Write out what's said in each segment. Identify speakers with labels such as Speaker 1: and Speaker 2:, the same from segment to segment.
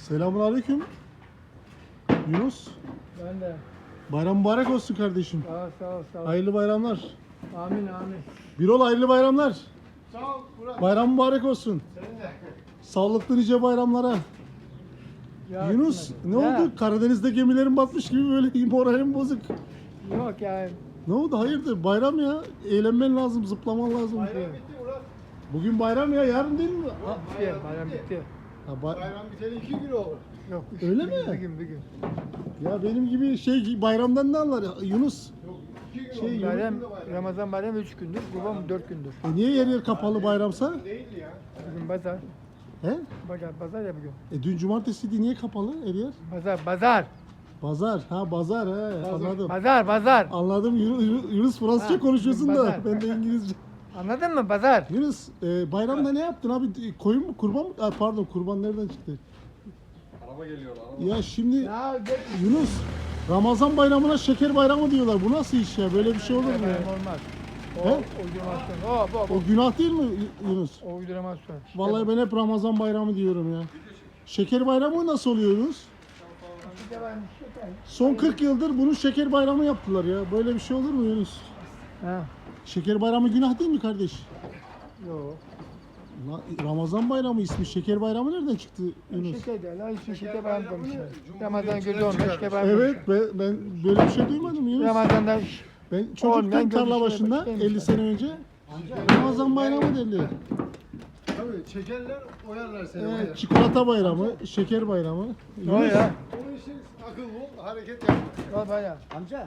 Speaker 1: Selamünaleyküm. Yunus.
Speaker 2: Ben de.
Speaker 1: Bayram mübarek olsun kardeşim.
Speaker 2: Sağ ol.
Speaker 1: Hayırlı bayramlar.
Speaker 2: Amin.
Speaker 1: Birol hayırlı bayramlar.
Speaker 3: Sağ ol Murat.
Speaker 1: Bayram mübarek olsun.
Speaker 3: Senin de.
Speaker 1: Sağlıklı nice bayramlara.
Speaker 2: Ya,
Speaker 1: Yunus ne
Speaker 2: Ya.
Speaker 1: oldu? Karadeniz'de gemilerin batmış gibi böyle moralim bozuk.
Speaker 2: Yok ya.
Speaker 1: Ne oldu? Hayırdır? Bayram ya. Eğlenmen lazım, zıplaman lazım.
Speaker 3: Bayram bitti Murat.
Speaker 1: Bugün bayram ya, yarın değil mi?
Speaker 2: Bayram bitti.
Speaker 3: Bayram biteli 2 gün oldu.
Speaker 2: Yok.
Speaker 1: Öyle
Speaker 2: bir
Speaker 1: mi?
Speaker 2: gün, Bir gün.
Speaker 1: Ya benim gibi bayramdan ne anlar ya? Yunus.
Speaker 3: Yok 2 gün
Speaker 1: Şey,
Speaker 3: oldu.
Speaker 2: Bayram,
Speaker 3: Bugün de bayram.
Speaker 2: Ramazan bayramı 3 gündür. Kurban 4 gündür.
Speaker 1: Niye yer yer kapalı bayramsa?
Speaker 3: Değildi ya.
Speaker 2: Bugün pazar.
Speaker 1: He?
Speaker 2: Pazar ya bugün.
Speaker 1: Dün cumartesiydi, niye kapalı her yer?
Speaker 2: Pazar.
Speaker 1: Pazar. Ha pazar he. Anladım.
Speaker 2: Pazar.
Speaker 1: Anladım. Yunus Fransızca
Speaker 2: Ha,
Speaker 1: konuşuyorsun da
Speaker 2: pazar.
Speaker 1: ben de İngilizce.
Speaker 2: Anladın mı? Pazar.
Speaker 1: Yunus bayramda ne yaptın abi? Koyun mu, kurban mı? Pardon, kurban nereden çıktı?
Speaker 3: Araba geliyor araba.
Speaker 1: Ya şimdi
Speaker 2: Ya gel.
Speaker 1: Yunus, Ramazan bayramına şeker bayramı diyorlar. Bu nasıl iş ya? Böyle bir şey olur mu ya?
Speaker 2: Olmaz. O
Speaker 1: He?
Speaker 2: uydurmasyon.
Speaker 1: O günah değil mi Yunus?
Speaker 2: O uydurmasyon.
Speaker 1: Vallahi ben hep Ramazan bayramı diyorum ya. Şeker bayramı nasıl oluyor Yunus? Son 40 yıldır bunun şeker bayramı yaptılar ya. Böyle bir şey olur mu Yunus?
Speaker 2: Ha.
Speaker 1: Şeker bayramı günah değil mi kardeş?
Speaker 2: Yok.
Speaker 1: Ramazan bayramı ismi. Şeker bayramı nereden çıktı Yunus?
Speaker 2: Şeker değil. Ha, hiçbir şeker bayramı konuşuyor.
Speaker 3: Cumhuriyetçiler
Speaker 2: Ramazan gözü olmuş. Şeker bayramı
Speaker 1: Evet, ben böyle bir şey duymadım Yunus.
Speaker 2: Ramazan'da
Speaker 1: Ben çocukken
Speaker 2: Olmayan
Speaker 1: tarla
Speaker 2: görüşmeye
Speaker 1: başında
Speaker 2: başlamışlar.
Speaker 1: 50 sene önce Ramazan bayramı derdi.
Speaker 3: Tabii çekerler oyarlar seni.
Speaker 1: Evet, çikolata bayramı, şeker bayramı.
Speaker 2: ne o ya?
Speaker 3: Onun için akıl bul, hareket yap.
Speaker 2: Al bayağı.
Speaker 4: Amca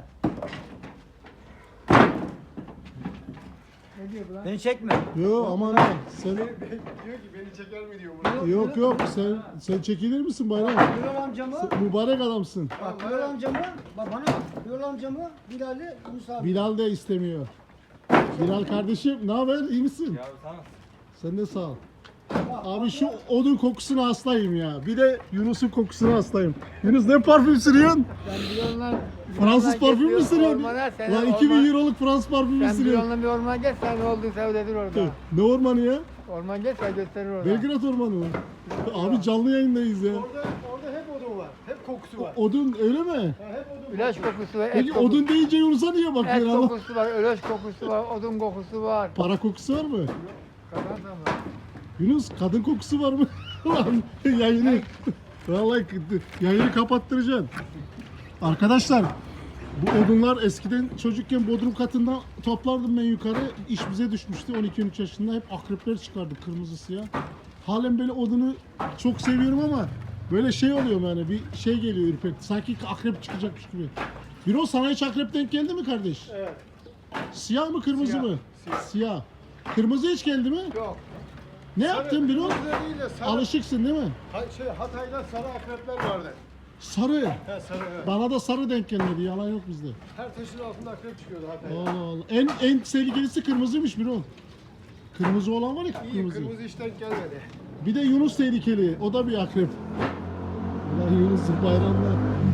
Speaker 2: Ne diyor bu lan?
Speaker 4: beni çekme.
Speaker 1: Yok aman ha. Sen
Speaker 3: Diyor ki beni çeker mi diyor Murat.
Speaker 1: yok sen çekilir misin bayram?
Speaker 4: Birol amcamı,
Speaker 1: Sen mübarek adamsın.
Speaker 4: bak Birol amcamı, bak bana bak. Birol amcamı, Bilal'i, Yunus abi.
Speaker 1: Bilal de istemiyor. Bilal kardeşim ne haber? İyi misin? Sen de sağ ol. Abi şu odun kokusuna hastayım ya. Bir de Yunus'un kokusuna hastayım. Yunus ne parfüm sürüyorsun?
Speaker 2: Sen Bilal'la
Speaker 1: Fransız parfüm mü sürüyorsun?
Speaker 2: Ormana sen
Speaker 1: Lan 2000 euroluk Fransız parfüm mü
Speaker 2: Sen
Speaker 1: sürüyorsun?
Speaker 2: Bilal'la bir ormana gel sen ne olduğunu seyredir orada.
Speaker 1: Ne ormanı ya?
Speaker 2: Orman gel sen gösterir orada.
Speaker 1: Belgrad ormanı mı? Abi canlı yayındayız ya.
Speaker 3: Orada hep odun var. Hep kokusu var.
Speaker 1: Odun öyle mi?
Speaker 3: Ha, hep odun var.
Speaker 2: İlaç kokusu var,
Speaker 1: Peki
Speaker 2: et kokusu,
Speaker 1: odun deyince Yunus'a niye
Speaker 2: et
Speaker 1: bakıyorsun? Allah?
Speaker 2: kokusu var, ilaç kokusu var, odun kokusu var.
Speaker 1: Para kokusu var mı?
Speaker 2: Kadar da var.
Speaker 1: Yunus kadın kokusu var mı? Ulan yayını vallahi yayını kapattıracaksın. Arkadaşlar bu odunlar eskiden çocukken bodrum katında toplardım ben yukarı. İş bize düşmüştü 12-13 yaşında. Hep akrepler çıkardı kırmızı siyah. Halen böyle odunu çok seviyorum ama böyle şey oluyor yani bir şey geliyor ürpekti. Sanki akrep çıkacakmış gibi. Bir o sana hiç akrep denk geldi mi kardeş?
Speaker 3: Evet.
Speaker 1: Siyah mı kırmızı
Speaker 3: Siyah,
Speaker 1: mı?
Speaker 3: siyah.
Speaker 1: Siyah. Kırmızı hiç geldi mi?
Speaker 3: Yok.
Speaker 1: Ne yaptın bir o?
Speaker 3: Kırmızı değil de sarı.
Speaker 1: Alışıksın değil mi?
Speaker 3: Hatay'da sarı akrepler vardı.
Speaker 1: Sarı.
Speaker 3: He sarı evet.
Speaker 1: Bana da sarı denk gelmedi. Yalan yok bizde.
Speaker 3: Her taşın altında akrep çıkıyordu Hatay'da.
Speaker 1: Allah Allah. En tehlikelisi kırmızıymış bir o. Kırmızı olan var ya
Speaker 3: İyi
Speaker 1: kırmızı.
Speaker 3: kırmızı hiç denk gelmedi.
Speaker 1: Bir de Yunus tehlikeli. O da bir akrep. Ulan Yunus bayramda.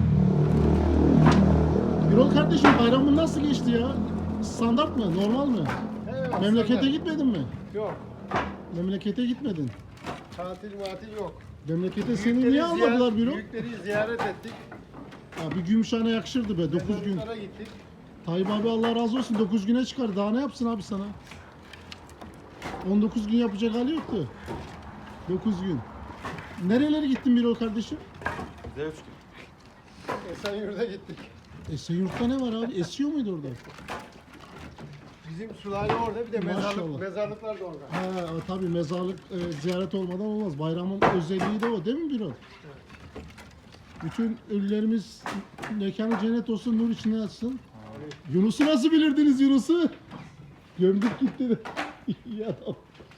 Speaker 1: Birol kardeşim bayramın nasıl geçti ya? Standart mı? Normal mi?
Speaker 3: Evet,
Speaker 1: Memlekete
Speaker 3: aslında-
Speaker 1: gitmedin mi?
Speaker 3: Yok.
Speaker 1: Memlekete gitmedin.
Speaker 3: Tatil yok.
Speaker 1: Memlekete seni niye almadılar Birol?
Speaker 3: Büyükleri ziyaret ettik.
Speaker 1: Abi Gümüşhane yakışırdı be 9 gün.
Speaker 3: Mezarlıklara gittik.
Speaker 1: Tayyip abi Allah razı olsun 9 güne çıkar. Daha ne yapsın abi sana? 19 gün yapacak hali yoktu. 9 gün. Nerelere gittin Birol kardeşim?
Speaker 3: Esenyurt'a gittik.
Speaker 1: Esenyurt'ta ne var abi? Esiyor muydu orada?
Speaker 3: Bizim sülale orada bir de
Speaker 1: Maşallah.
Speaker 3: mezarlıklar da orada.
Speaker 1: Ha tabii mezarlık ziyaret olmadan olmaz. Bayramın özelliği de o değil mi Birol? Bütün ölülerimiz mekanı cennet olsun, nur içinde yatsın. Yunus'u nasıl bilirdiniz Yunus'u? Gömdük gitti de. İyi adam.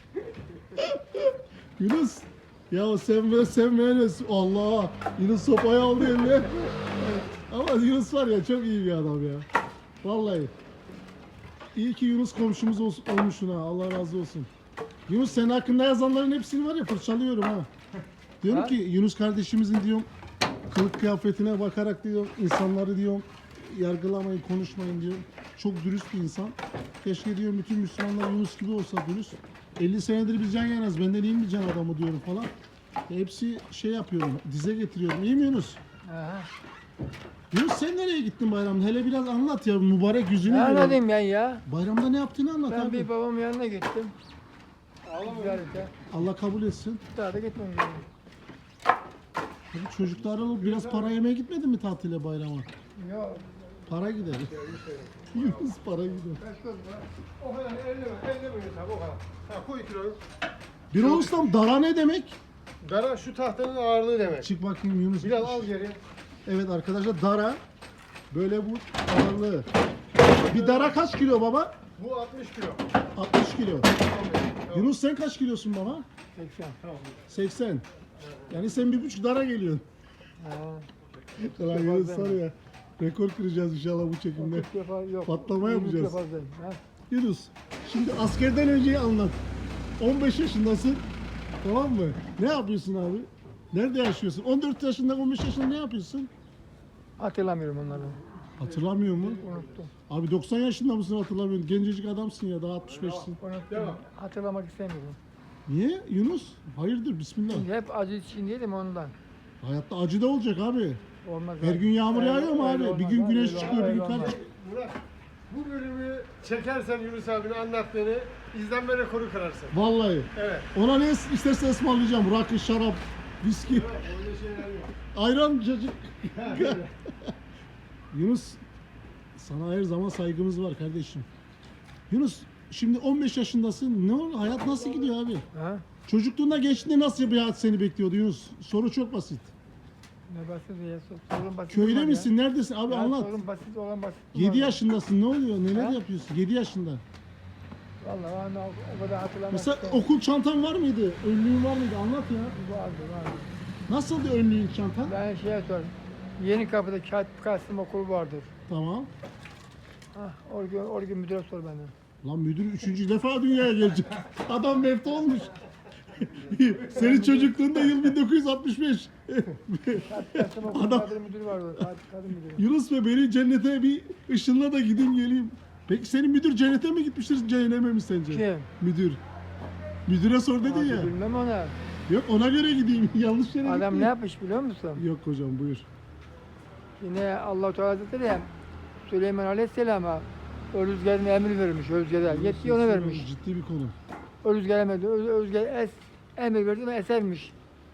Speaker 1: Yunus. Ya sen böyle Allah. Yunus sopayı aldı eline. Ama Yunus var ya çok iyi bir adam ya. Vallahi. İyi ki Yunus komşumuz olmuşsun ha. Allah razı olsun. Yunus senin hakkında yazanların hepsini var ya fırçalıyorum ha. Diyorum ki Yunus kardeşimizin diyorum kılık kıyafetine bakarak diyorum insanları diyorum yargılamayın, konuşmayın diyorum. Çok dürüst bir insan. Keşke diyorum bütün Müslümanlar Yunus gibi olsa dürüst. 50 senedir biz can yanarız. Benden iyi mi can adamı diyorum falan. Hepsi şey yapıyorum, dize getiriyorum. İyi mi Yunus?
Speaker 2: Aha.
Speaker 1: Yunus sen nereye gittin bayramda? Hele biraz anlat ya, mübarek yüzünü
Speaker 2: Ne
Speaker 1: görelim.
Speaker 2: anladım ben ya?
Speaker 1: Bayramda ne yaptığını anlat
Speaker 2: Ben
Speaker 1: abi.
Speaker 2: bir babamın yanına gittim. Ziyarete.
Speaker 1: Allah kabul etsin.
Speaker 2: Daha da gitmem lazım.
Speaker 1: Abi çocuklar alıp biraz para yemeye gitmedin mi tatile bayrama?
Speaker 2: Yok.
Speaker 1: Para gider. Yunus para gider.
Speaker 3: O kadar elleme Yunus abi o kadar. Ha koy kiloyu.
Speaker 1: Bir ustam dara ne demek?
Speaker 3: Dara şu tahtanın ağırlığı demek.
Speaker 1: Çık bakayım Yunus.
Speaker 3: Biraz al geri.
Speaker 1: Evet arkadaşlar dara böyle bu ağırlığı. Bir dara kaç kilo baba?
Speaker 3: Bu 60 kilo.
Speaker 1: 60 kilo. Yunus sen kaç kilosun baba?
Speaker 2: 80.
Speaker 1: 80. Yani sen 1,5 dara geliyorsun.
Speaker 2: Ha.
Speaker 1: Ulan Yunus var ya. Rekor kıracağız inşallah bu çekimde.
Speaker 2: 40 defa yok.
Speaker 1: Patlama
Speaker 2: 20
Speaker 1: yapacağız.
Speaker 2: defa fazlayım, ha.
Speaker 1: Yunus şimdi askerden önceyi anlat. 15 yaşındasın. Tamam mı? Ne yapıyorsun abi? Nerede yaşıyorsun? 14 yaşında 15 yaşında ne yapıyorsun?
Speaker 2: Hatırlamıyorum onları.
Speaker 1: Hatırlamıyor mu?
Speaker 2: Unuttum.
Speaker 1: Abi 90 yaşında mısın hatırlamıyorsun? Gencecik adamsın ya daha 65'sin.
Speaker 2: Unuttum. Hatırlamak istemiyorum.
Speaker 1: Niye Yunus? Hayırdır bismillah.
Speaker 2: Şimdi hep acı içindeydim ondan.
Speaker 1: Hayatta acı da olacak abi.
Speaker 2: Olmaz.
Speaker 1: Her gün yağmur
Speaker 2: Öyle-
Speaker 1: yağıyor mu
Speaker 2: öyle
Speaker 1: abi?
Speaker 2: olmaz
Speaker 1: Bir gün
Speaker 2: abi,
Speaker 1: güneş
Speaker 2: öyle
Speaker 1: çıkıyor, bir
Speaker 2: olmaz,
Speaker 1: gün
Speaker 2: öyle
Speaker 1: kar
Speaker 2: olmaz.
Speaker 1: çıkıyor.
Speaker 3: Murat bu bölümü çekersen Yunus abinin anlattığını izlenme rekoru kırarsın.
Speaker 1: Vallahi.
Speaker 3: Evet.
Speaker 1: Ona ne isterse ısmarlayacağım. Rakı, şarap, viski,
Speaker 3: Öyle şeyler yok.
Speaker 1: ayran, cacık. Yunus, sana her zaman saygımız var kardeşim. Yunus, şimdi 15 yaşındasın. Ne oldu? Hayat nasıl gidiyor abi?
Speaker 2: Ha?
Speaker 1: Çocukluğunda gençliğinde nasıl bir hayat seni bekliyordu Yunus? Soru çok basit.
Speaker 2: Ne basit ya? Sorun basit.
Speaker 1: Köyde
Speaker 2: olmaz
Speaker 1: misin? Neredesin? Abi
Speaker 2: ya.
Speaker 1: anlat.
Speaker 2: Sorun basit olan basit.
Speaker 1: 7 yaşındasın. Ne oluyor? Neler
Speaker 2: Ha?
Speaker 1: yapıyorsun? 7 yaşında.
Speaker 2: Vallahi ben o kadar hatırlamak
Speaker 1: Mesela
Speaker 2: istemiyorum.
Speaker 1: okul çantan var mıydı? Önlüğün var mıydı? Anlat ya.
Speaker 2: Vardı.
Speaker 1: Nasıldı önlüğün çantan?
Speaker 2: Ben şeye sor. Yeni kapıda Kağıt Kasım okulu vardır.
Speaker 1: Tamam.
Speaker 2: Orada müdüre sor benden.
Speaker 1: Lan müdür 3. defa dünyaya gelecek. Adam mefta olmuş. Senin çocukluğunda yıl 1965.
Speaker 2: Kasım okulu
Speaker 1: Adam-
Speaker 2: kadın müdürü vardı. Kadın müdürü.
Speaker 1: Yunus ve beni cennete bir ışınla da gideyim geleyim. Peki senin müdür cennete mi gitmiştir, cehenneme mi sence?
Speaker 2: Kim?
Speaker 1: Müdür. Müdüre sor dedin
Speaker 2: Abi
Speaker 1: ya.
Speaker 2: bilmem ona.
Speaker 1: Yok ona göre gideyim. Yanlış yere
Speaker 2: Adam
Speaker 1: gitmeyeyim.
Speaker 2: ne yapmış biliyor musun?
Speaker 1: Yok hocam buyur.
Speaker 2: Yine Allah-u Teala Hazretleri Süleyman Aleyhisselam'a o rüzgarına emir vermiş. O rüzgara. Yetkiyi ona vermiş.
Speaker 1: Ciddi bir konu.
Speaker 2: O rüzgar emir, o rüzgar emir verdi ve esermiş.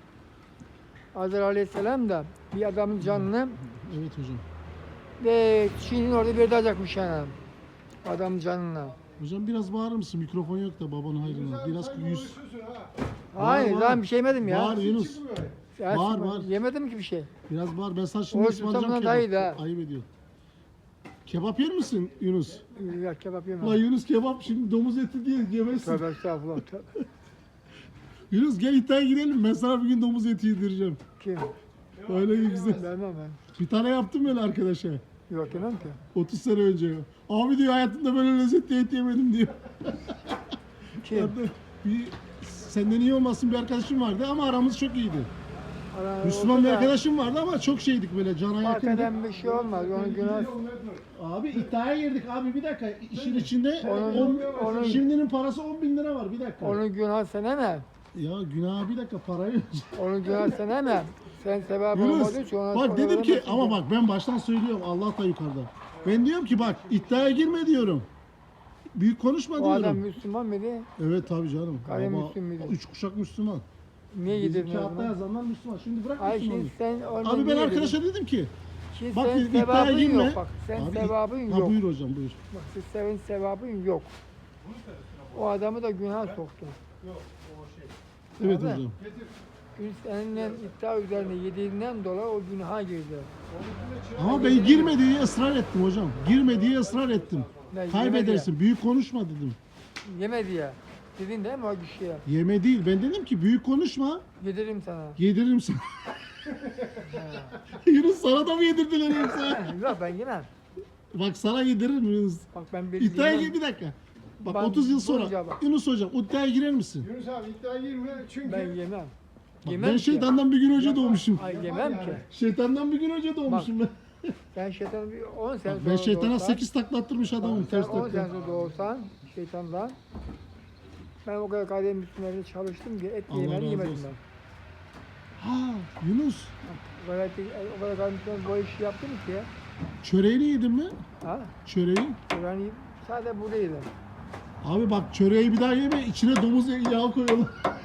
Speaker 2: Azrail Aleyhisselam da bir adamın canını
Speaker 1: Evet hocam.
Speaker 2: ve Çin'in orada bir edecekmiş yani. Adamın canına.
Speaker 1: Hocam biraz bağırır mısın? Mikrofon yok da babanın hayrına. Biraz yüz.
Speaker 3: Konuşuyorsun ha.
Speaker 2: Hayır
Speaker 1: var.
Speaker 2: lan bir şey yemedim ya.
Speaker 1: Bağır Yunus.
Speaker 3: Çıkmıyor.
Speaker 2: Ya
Speaker 1: Var,
Speaker 2: şimdi
Speaker 1: var.
Speaker 2: Yemedim ki bir şey.
Speaker 1: Biraz bağır. Ben sana şimdi
Speaker 2: O
Speaker 1: ısmarlayacağım
Speaker 2: tutamına
Speaker 1: kebap.
Speaker 2: dayı da.
Speaker 1: Ayıp ediyor. Kebap yer misin Yunus?
Speaker 2: Ya kebap
Speaker 1: Ulan
Speaker 2: yemem.
Speaker 1: Yunus kebap şimdi domuz eti diye yemezsin.
Speaker 2: Tövbe estağfurullah. Tövbe.
Speaker 1: Yunus gel iddiaya girelim. Ben sana bir gün domuz eti yedireceğim.
Speaker 2: Kim?
Speaker 1: Öyle güzel.
Speaker 2: Vermem ben.
Speaker 1: Bir tane yaptım böyle arkadaşa.
Speaker 2: Yok yemem ki.
Speaker 1: 30 sene önce. Abi diyor hayatımda böyle lezzetli et yemedim diyor.
Speaker 2: Kim?
Speaker 1: Ben de bir senden iyi olmasın bir arkadaşım vardı ama aramız çok iyiydi.
Speaker 2: Ara-
Speaker 1: Müslüman
Speaker 2: oldu
Speaker 1: bir
Speaker 2: da
Speaker 1: arkadaşım vardı ama çok şeydik böyle cana yakındık.
Speaker 2: Hakikaten bir şey olmaz. Onun günah.
Speaker 1: Abi iddiaya girdik abi bir dakika işin içinde
Speaker 2: Onun-
Speaker 1: şimdinin parası 10.000 lira var bir dakika.
Speaker 2: Onun günah sen hemen.
Speaker 1: Ya günah bir dakika parayı.
Speaker 2: Onun günah sen hemen. Sen sebep
Speaker 1: Yunus
Speaker 2: olmadığı için ona
Speaker 1: bak dedim ki
Speaker 2: veremezsin
Speaker 1: ama
Speaker 2: ki.
Speaker 1: bak ben baştan söylüyorum Allah da yukarıda. Ben diyorum ki bak iddiaya girme diyorum. Büyük konuşma
Speaker 2: O adam
Speaker 1: diyorum.
Speaker 2: Müslüman mıydı?
Speaker 1: Evet tabii canım.
Speaker 2: Gayrimüslim miydi?
Speaker 1: 3 kuşak Müslüman.
Speaker 2: Niye
Speaker 1: Bizim
Speaker 2: yedirdin o
Speaker 1: kağıtta
Speaker 2: zaman?
Speaker 1: yazanlar Müslüman. Şimdi bırak
Speaker 2: Ay
Speaker 1: Müslümanlığı.
Speaker 2: şimdi sen onu
Speaker 1: Abi ben
Speaker 2: niye
Speaker 1: arkadaşa
Speaker 2: yedirdin?
Speaker 1: dedim ki
Speaker 2: Şimdi
Speaker 1: bak
Speaker 2: sen
Speaker 1: dedim, iddiaya
Speaker 2: sevabın
Speaker 1: girme.
Speaker 2: yok bak. Sen
Speaker 1: Abi,
Speaker 2: sevabın
Speaker 1: ha,
Speaker 2: yok.
Speaker 1: buyur hocam buyur.
Speaker 2: Bak senin sevabın yok. O adamı da günah soktu.
Speaker 1: Evet
Speaker 2: Abi.
Speaker 1: hocam.
Speaker 2: Gün seninle iddia üzerine yediğinden dolayı o günaha girdi.
Speaker 1: Ama ben girme diye ısrar ettim hocam. Girme diye ısrar ettim.
Speaker 2: Ben
Speaker 1: Kaybedersin. Büyük konuşma dedim.
Speaker 2: Yemedi ya. Dedin değil mi o kişiye?
Speaker 1: Yeme değil. Ben dedim ki büyük konuşma.
Speaker 2: Yediririm sana.
Speaker 1: Yediririm sana. Yunus sana da mı yedirdiler yoksa?
Speaker 2: Yok ben yemem.
Speaker 1: Bak sana yediririm Yunus.
Speaker 2: Bak ben bir
Speaker 1: İddiaya
Speaker 2: yemem.
Speaker 1: gir bir dakika. Bak
Speaker 2: Ben
Speaker 1: 30 yıl sonra.
Speaker 2: bulunca bak.
Speaker 1: Yunus hocam iddiaya girer misin?
Speaker 3: Yunus abi iddiaya girme çünkü
Speaker 2: Ben yemem.
Speaker 1: Bak,
Speaker 2: Yemem
Speaker 1: ben
Speaker 2: ki.
Speaker 1: şeytandan bir gün önce doğmuşum.
Speaker 2: Ay yemem ki.
Speaker 1: Şeytandan bir gün önce doğmuşum ben.
Speaker 2: Ben şeytanı bir 10 sene
Speaker 1: Ben
Speaker 2: sonra
Speaker 1: şeytana
Speaker 2: doğsam,
Speaker 1: 8 taklattırmış adamım
Speaker 2: sen
Speaker 1: ters
Speaker 2: 10
Speaker 1: takla.
Speaker 2: sene sonra doğsan şeytandan ben o kadar kadem üstünlerinde çalıştım ki et
Speaker 1: Allah
Speaker 2: yemeğini
Speaker 1: razı
Speaker 2: yemedim
Speaker 1: olsun. Ha Yunus,
Speaker 2: O kadar kalmışlar bu işi yaptım ki ya.
Speaker 1: çöreğini yedin mi?
Speaker 2: Ha?
Speaker 1: Çöreği.
Speaker 2: Yani sadece buradaydı.
Speaker 1: Abi bak çöreği bir daha yeme, içine domuz yağı koyalım.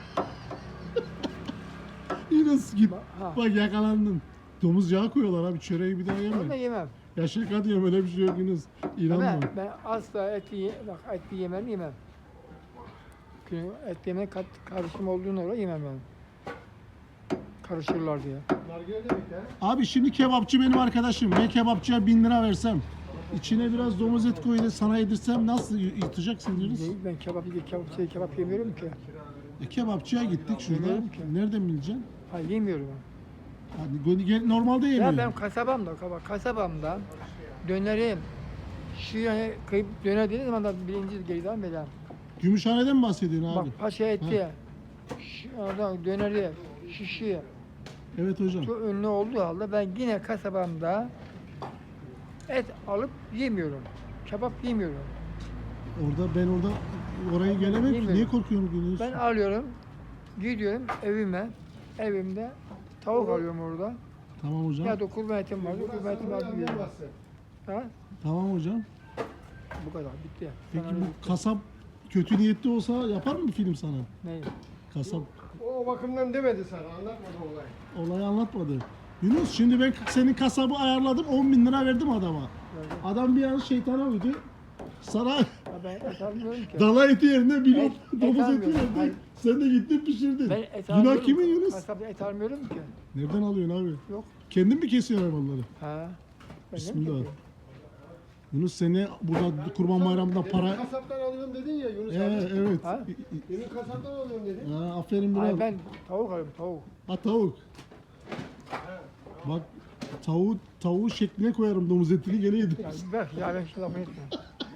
Speaker 1: Yunus git.
Speaker 2: Ha.
Speaker 1: Bak yakalandın. Domuz yağı koyuyorlar abi, çöreği bir daha
Speaker 2: Onu da
Speaker 1: yeme.
Speaker 2: yemem.
Speaker 1: Ya şaka diyorum, öyle bir şey yok Yunus. İnanma.
Speaker 2: Ama ben asla bak etli yemem. Çünkü et yemek karışım olduğuna göre yemem ben. Karışırlar diye.
Speaker 3: Nargile demek ya.
Speaker 1: Abi şimdi kebapçı benim arkadaşım. Ben kebapçıya 1000 lira versem, içine biraz domuz et koyup sana yedirsem nasıl yutacaksın Yunus?
Speaker 2: Değil, ben kebap yemiyorum ki.
Speaker 1: Kebapçıya gittik şurada.
Speaker 2: Bilmiyorum ki.
Speaker 1: Nereden bileceksin?
Speaker 2: Ha yemiyorum ben.
Speaker 1: Normalde yemiyor.
Speaker 2: Ya ben kasabamda dönerim. Şu yani kıyıp döner dediğim zaman da birinci geriden beri.
Speaker 1: Gümüşhane'den mi bahsediyorsun abi?
Speaker 2: Bak paşa eti, oradan döneri, şişi
Speaker 1: Evet hocam.
Speaker 2: çok ünlü olduğu halde ben yine kasabamda et alıp yemiyorum. Kebap yemiyorum.
Speaker 1: Ben oraya gelemem ki.
Speaker 2: Bilmiyorum.
Speaker 1: Niye korkuyorsun Yunus?
Speaker 2: Ben alıyorum, gidiyorum evime. Evimde tavuk alıyorum orada.
Speaker 1: Tamam hocam.
Speaker 2: Ya da kurban etim var, kurban etimi alıp yiyorum.
Speaker 3: Anlayamazsın.
Speaker 2: Ha?
Speaker 1: Tamam hocam.
Speaker 2: Bu kadar, bitti.
Speaker 1: Peki
Speaker 2: Sana
Speaker 1: bu kasap kötü niyetli olsa yapar mı bir film sana?
Speaker 2: ne?
Speaker 1: Kasap
Speaker 3: O bakımdan demedi sana. Anlatmadı olayı.
Speaker 1: olayı anlatmadı. Yunus şimdi ben senin kasabı ayarladım, 10.000 lira verdim adama. Adam bir an şeytana uydu. Sana
Speaker 2: Ya ben et almıyorum ki.
Speaker 1: dana eti yerine bir
Speaker 2: Et
Speaker 1: domuz eti
Speaker 2: almıyorum.
Speaker 1: verdi.
Speaker 2: Hayır.
Speaker 1: Sen de gittin pişirdin.
Speaker 2: Ben et
Speaker 1: Günah
Speaker 2: almıyorum.
Speaker 1: kimin Yunus?
Speaker 2: Kasapta et almıyorum ki.
Speaker 1: Nereden alıyorsun abi?
Speaker 2: Yok.
Speaker 1: Kendin mi kesiyorsun hayvanları?
Speaker 2: Ha. Ben
Speaker 1: Bismillah.
Speaker 2: ne mi
Speaker 1: Yunus seni burada Kurban Bayramı'nda
Speaker 3: Demin
Speaker 1: para...
Speaker 3: kasaptan alıyorum dedin ya Yunus abi.
Speaker 1: Evet.
Speaker 2: Ha?
Speaker 3: Demin kasaptan alıyorum dedin.
Speaker 1: Ha, aferin
Speaker 2: Hayır
Speaker 1: biraz.
Speaker 2: ben tavuk alıyorum tavuk.
Speaker 1: Ha tavuk. Bak tavuğu şekline koyarım domuz etini gene yedim.
Speaker 2: Ya bak ya ben şu lafı etme.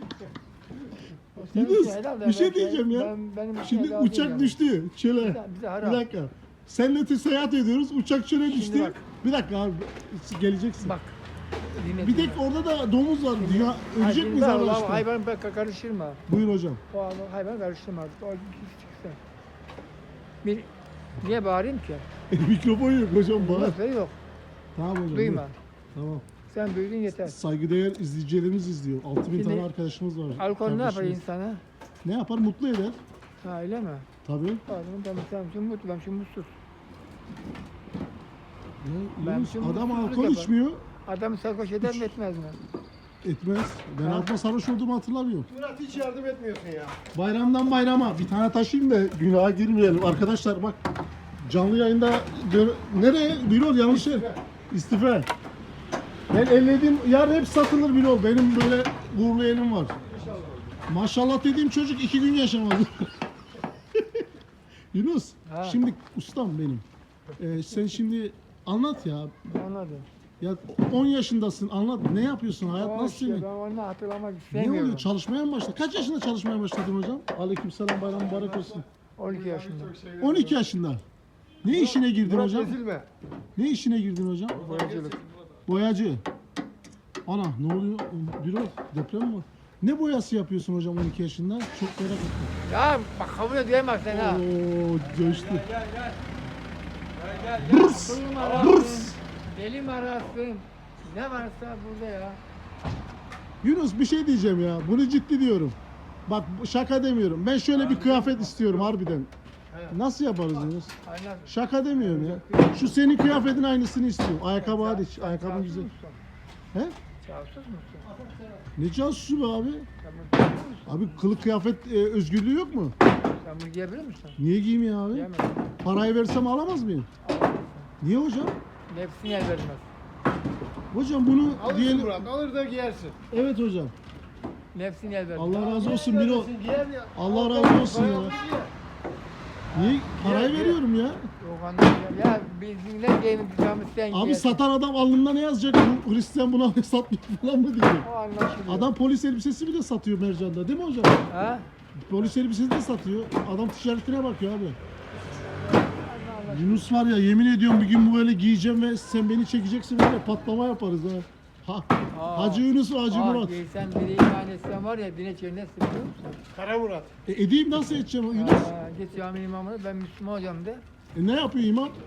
Speaker 1: Yunus bir şey diyeceğim ya.
Speaker 2: Benim
Speaker 1: Şimdi uçak düştü çöle.
Speaker 2: Bize
Speaker 1: Bir
Speaker 2: harap.
Speaker 1: dakika. Seninle seyahat ediyoruz. Uçak çöle düştü.
Speaker 2: bak.
Speaker 1: Bir dakika abi. Geleceksin.
Speaker 2: Bak.
Speaker 1: Bir tek orada da domuz var. Dünya ölecek miyiz arkadaşlar?
Speaker 2: Hayvan karıştırma.
Speaker 1: Buyur hocam.
Speaker 2: O hayvan karıştırma. O çıksın. Niye bağırayım ki?
Speaker 1: Mikrofon yok hocam bana.
Speaker 2: Nasıl yok.
Speaker 1: Tamam hocam.
Speaker 2: Duyma.
Speaker 1: buyur. Tamam.
Speaker 2: Sen duydun yeter.
Speaker 1: Saygıdeğer izleyicilerimiz izliyor. 6000
Speaker 2: Şimdi
Speaker 1: tane arkadaşımız var.
Speaker 2: Alkol ne yapar
Speaker 1: Kardeşimiz.
Speaker 2: insana?
Speaker 1: Ne yapar? Mutlu eder.
Speaker 2: Ha öyle mi?
Speaker 1: Tabii.
Speaker 2: Pardon ben şu mutlu, ben şu mutsuz.
Speaker 1: Ya,
Speaker 2: Ben
Speaker 1: Yunus,
Speaker 2: şimdi
Speaker 1: adam
Speaker 2: mutsuzluk
Speaker 1: alkol
Speaker 2: yapar.
Speaker 1: içmiyor.
Speaker 2: Adamı sarhoş eder mi etmez mi?
Speaker 1: Etmez. Ben
Speaker 2: Ha?
Speaker 1: alkol sarhoş olduğumu hatırlamıyorum.
Speaker 3: Murat hiç yardım etmiyorsun ya.
Speaker 1: Bayramdan bayrama bir tane taşıyayım da günaha girmeyelim. Arkadaşlar bak canlı yayında nereye? Birol yanlış yer. İstifa. Ben ellediğim yer hep satılır Birol. Benim böyle uğurlu elim var. Maşallah dediğim çocuk 2 gün yaşamadı. Yunus,
Speaker 2: Ha.
Speaker 1: şimdi ustam benim. Sen şimdi anlat ya.
Speaker 2: Anladım.
Speaker 1: Ya 10 yaşındasın anlat. Ne yapıyorsun? Hayat
Speaker 2: O
Speaker 1: nasıl
Speaker 2: şey,
Speaker 1: senin?
Speaker 2: ben onu hatırlamak
Speaker 1: Ne
Speaker 2: istemiyorum.
Speaker 1: oluyor? Çalışmaya mı başladın? Kaç yaşında çalışmaya başladın hocam? Aleykümselam bayram mübarek olsun.
Speaker 2: 12 yaşında.
Speaker 1: 12 yaşında. Ne işine girdin
Speaker 3: Murat
Speaker 1: hocam?
Speaker 3: ezilme.
Speaker 1: Ne işine girdin hocam?
Speaker 2: Boyacılık.
Speaker 1: Boyacı. Ana ne oluyor? Birol deprem mi var? Ne boyası yapıyorsun hocam 12 yaşında? Çok merak ettim.
Speaker 2: Ya bak kabul edemez sen ha.
Speaker 1: Oo coştu.
Speaker 2: Aklım arasın, delim arasın. Ne varsa burada ya.
Speaker 1: Yunus bir şey diyeceğim ya. Bunu ciddi diyorum. Bak şaka demiyorum. Ben şöyle bir kıyafet istiyorum harbiden. Nasıl yaparız Yunus?
Speaker 2: Aynen.
Speaker 1: Şaka demiyorum ya. Şu senin kıyafetin aynısını istiyorum. Ayakkabı hariç. Ayakkabın güzel. He?
Speaker 2: Casus musun?
Speaker 1: Ne casusu be abi?
Speaker 2: Sen bunu giyebilir misin?
Speaker 1: Abi kılık kıyafet özgürlüğü yok mu?
Speaker 2: Sen bunu giyebilir misin?
Speaker 1: Niye giyeyim ya abi?
Speaker 2: Giyemezsin.
Speaker 1: Parayı versem alamaz mıyım? Niye hocam?
Speaker 2: Nefsini el vermez.
Speaker 1: Hocam bunu
Speaker 3: Alırsın
Speaker 1: diyelim.
Speaker 3: Murat. Alır da giyersin.
Speaker 1: Evet hocam.
Speaker 2: Nefsini el vermez.
Speaker 1: Allah razı olsun Birol.
Speaker 3: Giyer ya.
Speaker 1: Allah razı olsun ya. Niye? Parayı
Speaker 3: Gel, gel.
Speaker 1: veriyorum ya.
Speaker 2: Yok anlamıyorum. Ya bizim ne giyeceğimiz sen
Speaker 1: Abi
Speaker 2: giyersin.
Speaker 1: satan adam alnında ne yazacak? Bu Hristiyan buna satmıyor falan mı diyor.
Speaker 2: O anlaşılıyor.
Speaker 1: Adam polis elbisesi bile satıyor Mercan'da değil mi hocam?
Speaker 2: Ha?
Speaker 1: Polis elbisesi de satıyor. Adam ticaretine bakıyor abi. Yunus var ya yemin ediyorum bir gün bu böyle giyeceğim ve sen beni çekeceksin böyle patlama yaparız ha.
Speaker 2: Aa.
Speaker 1: Hacı Yunus ve Hacı Murat.
Speaker 2: Giysen biri iman etsen var ya dine çevirmez biliyor musun?
Speaker 3: Kara Murat.
Speaker 1: Edeyim nasıl edeceğim Yunus?
Speaker 2: Git cami imamına ben Müslüman hocam de.
Speaker 1: Ne yapıyor imam?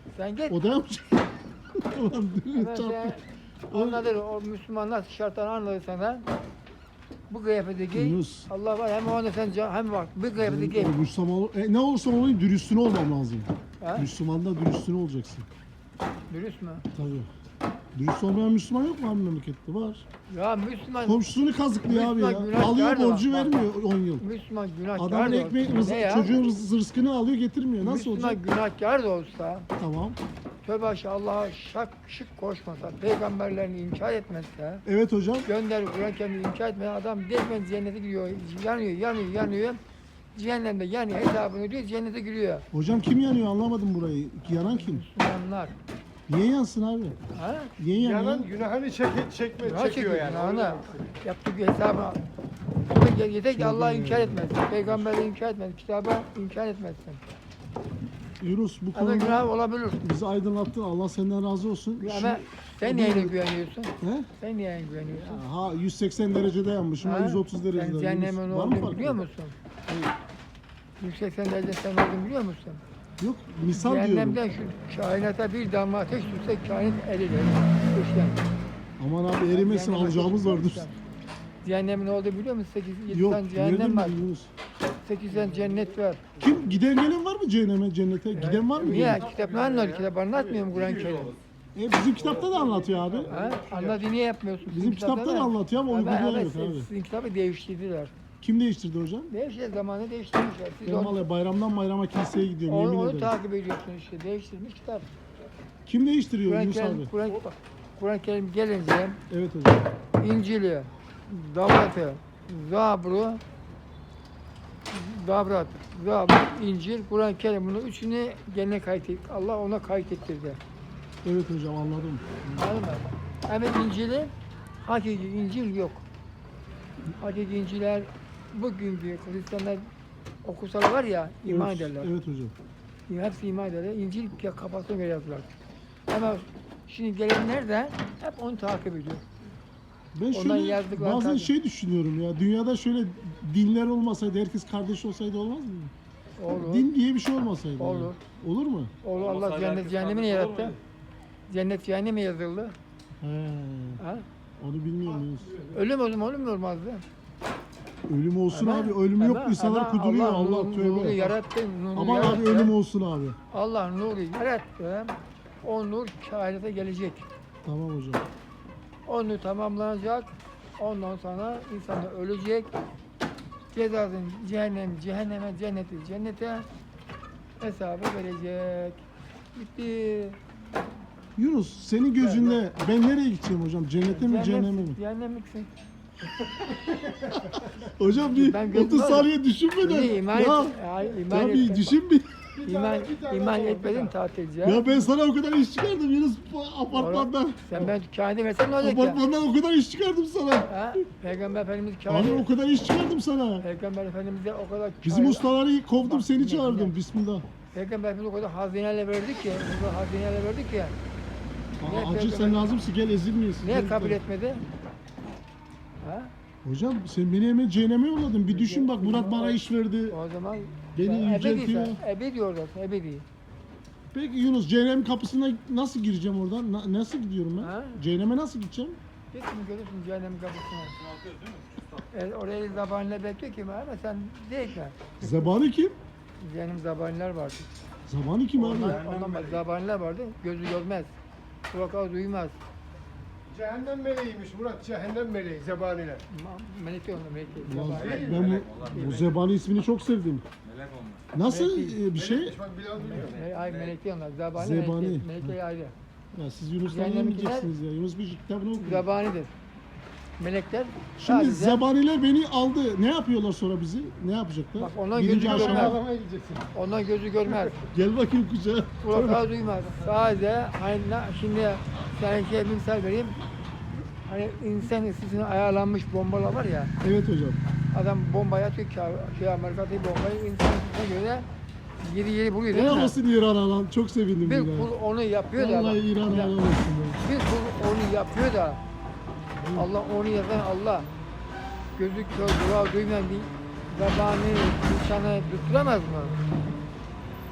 Speaker 2: Sen git.
Speaker 1: O da yapacak. Ulan
Speaker 2: Hemen
Speaker 1: çarptı.
Speaker 2: sen anladın, o Müslümanlar şartlarını anladı senden. Bu kıyafeti giy.
Speaker 1: Yunus.
Speaker 2: Allah var, hem o anda sen hem bak, bu kıyafeti giy.
Speaker 1: Müslüman ne olursam olayım dürüstüne olmam lazım.
Speaker 2: Ha?
Speaker 1: Müslüman'da dürüstüne olacaksın.
Speaker 2: Dürüst mü?
Speaker 1: Tabii. Dürüst olmayan Müslüman yok mu abi memlekette? Var.
Speaker 2: Ya Müslüman,
Speaker 1: Komşusunu kazıklıyor abi
Speaker 2: Müslüman
Speaker 1: ya.
Speaker 2: günahkar
Speaker 1: Alıyor
Speaker 2: da
Speaker 1: borcu
Speaker 2: bak.
Speaker 1: vermiyor 10 yıl.
Speaker 2: Müslüman günahkar
Speaker 1: Adamın
Speaker 2: da
Speaker 1: ekmeği,
Speaker 2: olsa. Ne ya?
Speaker 1: çocuğun rızkını alıyor getirmiyor. Nasıl
Speaker 2: Müslüman
Speaker 1: olacak?
Speaker 2: günahkar da olsa,
Speaker 1: Tamam.
Speaker 2: tövbe aşağı Allah'a şık koşmasa, peygamberlerini inkar etmezse,
Speaker 1: Evet hocam.
Speaker 2: gönder Kur'an kendini inkar etmeyen adam direktmen cennete gidiyor. Yanıyor. Cehennemde yani hesabını ödüyor, cennete giriyor.
Speaker 1: Hocam kim yanıyor anlamadım burayı. Yanan kim?
Speaker 2: Müslümanlar.
Speaker 1: Niye yansın abi?
Speaker 2: Ha?
Speaker 1: Niye yanıyor?
Speaker 3: Yanan günahını çekme,
Speaker 2: Günah
Speaker 3: çekiyor yani.
Speaker 2: günahını. Yaptığı bir hesabı. Yeter ki Allah'ı inkar etmezsin, peygamberi inkar etmezsin, kitabı inkar etmezsin.
Speaker 1: Yunus bu
Speaker 2: Ama
Speaker 1: konuda
Speaker 2: günah olabilir.
Speaker 1: bizi aydınlattın. Allah senden razı olsun.
Speaker 2: Ama sen neyine güveniyorsun?
Speaker 1: He?
Speaker 2: Sen neyine güveniyorsun?
Speaker 1: Ha 180 derecede yanmışım. Ben 130 derecede.
Speaker 2: Sen
Speaker 1: Yunus,
Speaker 2: cehennemin
Speaker 1: var mı
Speaker 2: olduğunu
Speaker 1: farkı?
Speaker 2: biliyor musun? Yüksek derece sen olduğunu biliyor musun?
Speaker 1: Yok misal diyorum.
Speaker 2: Cehennemden şu kainata bir damla ateş düşse kainat erilir. Düşten.
Speaker 1: Aman abi erimesin
Speaker 2: Cehenneme
Speaker 1: alacağımız
Speaker 2: ateş
Speaker 1: vardır.
Speaker 2: düşse. Cehennemin olduğunu biliyor musun? 7
Speaker 1: Yok
Speaker 2: tane
Speaker 1: nereden
Speaker 2: cehennem var.
Speaker 1: bildin Yunus?
Speaker 2: 8 tane cennet var.
Speaker 1: Kim giden gelen var mı cehenneme cennete? Giden var mı?
Speaker 2: Niye? Kitap ne anlar? Kitap anlatmıyor mu Kur'an-ı Kerim?
Speaker 1: Bizim kitapta da anlatıyor abi.
Speaker 2: Ha? Anladı niye yapmıyorsun?
Speaker 1: Bizim kitapta da anlatıyor ama uygulayan yok abi.
Speaker 2: Sizin kitabı değiştirdiler.
Speaker 1: Kim değiştirdi hocam?
Speaker 2: Değiştirdiler, zamanı değiştirmişler. Siz
Speaker 1: Ben vallahi bayramdan bayrama kiliseye gidiyorum
Speaker 2: onu,
Speaker 1: yemin
Speaker 2: onu
Speaker 1: ederim.
Speaker 2: takip ediyorsun işte. Değiştirmiş kitap.
Speaker 1: Kim değiştiriyor
Speaker 2: Kur'an-ı
Speaker 1: Yunus abi?
Speaker 2: Kerim, Kur'an-ı Kerim gelince
Speaker 1: Evet hocam.
Speaker 2: İncil'i, Davrat'ı, Zabur, İncil, Kur'an-ı Kerim bunun üçünü gene kaydet. Allah ona kaydettirdi.
Speaker 1: Evet hocam anladım.
Speaker 2: Anladın mı? Evet İncil'i, hakiki İncil yok. Hakiki İncil'ler bugünkü Hristiyanlar okusalar var ya iman
Speaker 1: Evet,
Speaker 2: ederler.
Speaker 1: evet hocam.
Speaker 2: Hepsi iman ederler. İncil kafasına göre yazdılar. Ama şimdi gelenler de hep onu takip ediyor.
Speaker 1: Ben
Speaker 2: Ondan
Speaker 1: şöyle
Speaker 2: yazdıkları
Speaker 1: bazen
Speaker 2: tabii.
Speaker 1: şey düşünüyorum ya. Dünyada şöyle dinler olmasaydı, herkes kardeş olsaydı olmaz mı?
Speaker 2: Olur.
Speaker 1: Din diye bir şey olmasaydı. yani.
Speaker 2: Olur.
Speaker 1: Olur mu?
Speaker 2: Olur Allah cennet cehennemi yarattı. Cennet cehennemi yazıldı.
Speaker 1: He.
Speaker 2: Ha?
Speaker 1: Onu bilmiyorum Yunus.
Speaker 2: Ölüm ölüm olmazdı.
Speaker 1: Ölüm olsun
Speaker 2: Ama-
Speaker 1: abi. Ölüm yok.
Speaker 2: ama
Speaker 1: İnsanlar kuduruyor. Allah
Speaker 2: nuru
Speaker 1: tövbe.
Speaker 2: yarattı. Nuru
Speaker 1: Aman
Speaker 2: yarattı.
Speaker 1: abi ölüm olsun abi.
Speaker 2: Allah nuru yarattı. O nur kainata gelecek.
Speaker 1: Tamam hocam.
Speaker 2: O nur tamamlanacak. Ondan sonra insan da ölecek. Cezasını cehenneme, cennete hesabı verecek. Bitti.
Speaker 1: Yunus senin gözünde ben nereye gideceğim hocam? Cennete mi cehenneme mi?
Speaker 2: Cehennemliksin.
Speaker 1: Hocam bir
Speaker 2: Ben gözüm
Speaker 1: 30
Speaker 2: var.
Speaker 1: saniye düşünmeden.
Speaker 2: İyi, iman
Speaker 1: Ya,
Speaker 2: et. Ay, iman
Speaker 1: ya
Speaker 2: et.
Speaker 1: bir düşün bir.
Speaker 2: İman etmedin tatilci.
Speaker 1: Ya ben sana o kadar iş çıkardım Yunus bu apartmandan.
Speaker 2: Sen ben kainata versen ne olacak ya?
Speaker 1: Apartmandan o kadar iş çıkardım sana.
Speaker 2: Ha? Peygamber Efendimiz
Speaker 1: Abi
Speaker 2: kainata...
Speaker 1: o kadar iş çıkardım sana.
Speaker 2: Peygamber Efendimiz'e o kadar...
Speaker 1: Bizim ustaları kovdum
Speaker 2: Bak,
Speaker 1: seni
Speaker 2: dinle,
Speaker 1: çağırdım.
Speaker 2: dinle.
Speaker 1: Bismillah.
Speaker 2: Peygamber Efendimiz o kadar hazineler verdik ki, o kadar hazineler verdik ki. Niye
Speaker 1: Aa, acil
Speaker 2: peygamber-
Speaker 1: sen lazımsın gel ezilmeyesin.
Speaker 2: Niye
Speaker 1: Gel
Speaker 2: kabul
Speaker 1: gel.
Speaker 2: etmedi? Ha?
Speaker 1: Hocam sen beni hemen cehenneme yolladın. Bir düşün bak Murat bana iş verdi.
Speaker 2: O zaman
Speaker 1: Beni
Speaker 2: sen
Speaker 1: yüceltiyor.
Speaker 2: ebedi oradasın, ebedi.
Speaker 1: Peki Yunus cehennem kapısına nasıl gireceğim oradan? Nasıl gidiyorum ben?
Speaker 2: Ha?
Speaker 1: Cehenneme nasıl gideceğim?
Speaker 2: Gitsin görürsün cehennem kapısına. Oraya zabaniler bekliyor ki ama sen değil mi?
Speaker 1: Zebani kim?
Speaker 2: Cehennem zabaniler vardı.
Speaker 1: Zabani kim abi?
Speaker 2: Ondan zabaniler vardı, gözü görmez. Kulağı duymaz.
Speaker 3: Cehennem meleğiymiş Murat, cehennem meleği, zebaniler.
Speaker 2: Melek yok, melek değil.
Speaker 1: Ulan
Speaker 2: Zabani.
Speaker 1: ben bu Zebani ismini çok sevdim. Nasıl bir şey?
Speaker 3: Bak Bilal biliyor.
Speaker 2: Ay melek değil onlar, zabani,
Speaker 1: Zebani.
Speaker 2: melek değil. Melek değil ayrı.
Speaker 1: Ya siz Yunus'tan
Speaker 2: Cehennem
Speaker 1: yemeyeceksiniz ya. Yunus bir kitabını okuyor.
Speaker 2: Zabanidir. Melekler
Speaker 1: Şimdi
Speaker 2: sadece-
Speaker 1: zebaniler beni aldı. Ne yapıyorlar sonra bizi? Ne yapacaklar?
Speaker 2: Bak onlar
Speaker 1: Birinci
Speaker 2: gözü
Speaker 1: aşama.
Speaker 2: görmez.
Speaker 3: Ağlamaya gideceksin.
Speaker 2: Ondan gözü görmez.
Speaker 1: Gel bakayım kucağa.
Speaker 2: Kulakları duymaz. Sadece hani şimdi sana şey bir misal vereyim. Hani insan ısısına ayarlanmış bombalar var ya.
Speaker 1: Evet hocam.
Speaker 2: Adam bombayı atıyor ki Amerika'daki bombayı insan ısısına göre yeri buluyor değil
Speaker 1: Ne
Speaker 2: mi?
Speaker 1: olsun İran alan. Çok sevindim
Speaker 2: Bir
Speaker 1: buna.
Speaker 2: kul onu yapıyor da.
Speaker 1: Vallahi İran
Speaker 2: Bir-
Speaker 1: alan olsun. ya.
Speaker 2: Bir kul onu yapıyor da. Allah onu yazan Allah. Gözü kör, dua duymayan bir zabani insanı tutturamaz mı?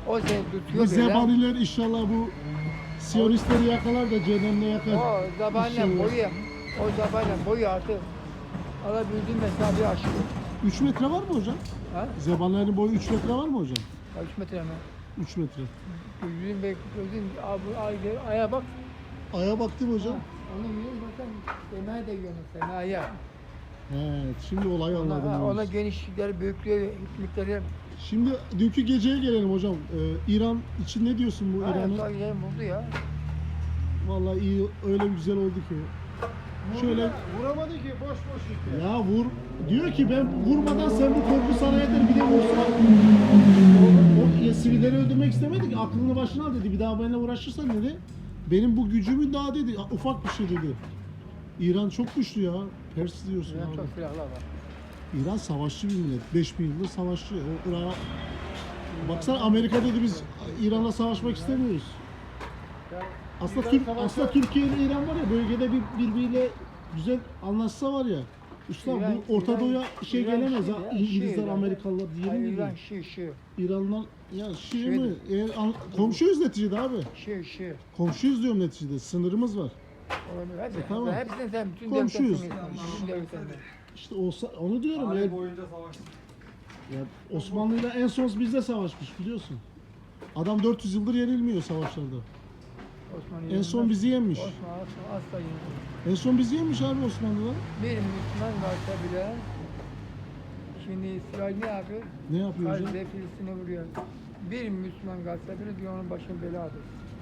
Speaker 2: O seni
Speaker 1: Bu
Speaker 2: tutuyor böyle.
Speaker 1: zebaniler inşallah bu Siyonistleri yakalar da cehennemde yakar.
Speaker 2: O zabanla
Speaker 1: İnşallah.
Speaker 2: boyu, o zabanla boyu artık alabildiğin mesafeyi aşıyor.
Speaker 1: 3 metre var mı hocam?
Speaker 2: Ha?
Speaker 1: Zebanilerin boyu 3 metre var mı hocam?
Speaker 2: Ya 3 metre mi?
Speaker 1: 3 metre.
Speaker 2: Gözün aya bak.
Speaker 1: Aya baktım hocam.
Speaker 2: Ha, onu yiyoruz bakın. Semaya da yiyoruz semaya.
Speaker 1: Evet, şimdi olayı anladım.
Speaker 2: Ona
Speaker 1: yalnız.
Speaker 2: genişlikleri, büyüklüğü, hikmetleri.
Speaker 1: Şimdi dünkü geceye gelelim hocam. İran için ne diyorsun bu İran'ı?
Speaker 2: Hayır, yerim buldu ya.
Speaker 1: Vallahi iyi, öyle güzel oldu ki. Şöyle
Speaker 3: Vuramadı ki boş boş gitti.
Speaker 1: ya vur diyor ki ben vurmadan sen bu korku sana yeter bir de vursan. O sivilleri öldürmek istemedi ki aklını başına al dedi. Bir daha benimle uğraşırsan dedi. Benim bu gücümün daha dedi. Ufak bir şey dedi. İran çok güçlü ya. Pers diyorsun
Speaker 2: Ya
Speaker 1: abi.
Speaker 2: çok silahlar var.
Speaker 1: İran savaşçı bir millet. 5000 yıldır savaşçı. O Irak'a... Baksana Amerika dedi biz İran'la savaşmak istemiyoruz. Aslında aslında Türkiye ile İran var ya bölgede birbiriyle güzel anlaşsa var ya. Üstam
Speaker 2: İran-
Speaker 1: bu Orta
Speaker 2: İran-
Speaker 1: Doğu'ya şey
Speaker 2: İran
Speaker 1: gelemez
Speaker 2: Şii
Speaker 1: ha.
Speaker 2: ya,
Speaker 1: İngilizler,
Speaker 2: Şii.
Speaker 1: Amerikalılar diyelim
Speaker 2: Hayır,
Speaker 1: gibi.
Speaker 2: İran Şii.
Speaker 1: İranlar ya Şii
Speaker 2: Şii.
Speaker 1: mi? Komşuyuz neticede abi.
Speaker 2: Şii.
Speaker 1: Komşuyuz diyorum neticede. Sınırımız var.
Speaker 2: Olabilir. Hadi.
Speaker 1: Tamam.
Speaker 2: Hepsini sen bütün
Speaker 1: Komşuyuz.
Speaker 2: devletlerini. Bütün devletlerini.
Speaker 1: İşte olsa onu diyorum ya.
Speaker 3: Tarih boyunca savaştık.
Speaker 1: Ya Osmanlı'yla en son bizde savaşmış biliyorsun. Adam 400 yıldır yenilmiyor savaşlarda.
Speaker 2: Osmanlı
Speaker 1: En son
Speaker 2: yenilmez.
Speaker 1: bizi yenmiş.
Speaker 2: Osmanlı asla yenilmez.
Speaker 1: En son bizi yenmiş abi Osmanlılar.
Speaker 2: Bir Müslüman varsa bile şimdi İsrail ne yapıyor?
Speaker 1: Ne yapıyor hocam?
Speaker 2: Gazze Filistin'e vuruyor. Bir Müslüman gazze bile diyor onun başına beladır.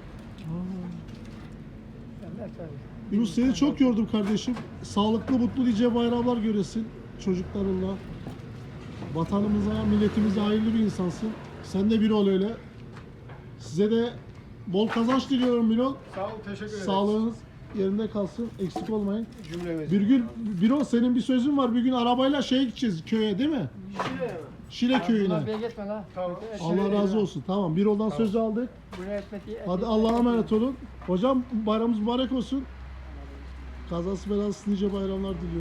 Speaker 2: Sen ne tabii.
Speaker 1: Yunus seni çok yordum kardeşim. Sağlıklı, mutlu nice bayramlar göresin çocuklarınla. Vatanımıza, milletimize hayırlı bir insansın. Sen de bir ol öyle. Size de bol kazanç diliyorum Birol.
Speaker 3: Sağ ol, teşekkür ederim.
Speaker 1: Sağlığınız yerinde kalsın, eksik olmayın.
Speaker 3: Cümlemiz.
Speaker 1: Bir gün Birol senin bir sözün var. Bir gün arabayla şeye gideceğiz köye değil mi?
Speaker 3: Şile mi?
Speaker 1: Şile
Speaker 2: Bunlar
Speaker 1: köyüne.
Speaker 2: bir geçme la.
Speaker 3: Tamam.
Speaker 1: Allah razı olsun. Tamam. Birol'dan sözü aldık.
Speaker 2: Buraya etmeti.
Speaker 1: Hadi Allah'a emanet olun. Hocam bayramımız mübarek olsun. Kazası belasız nice bayramlar diliyorum.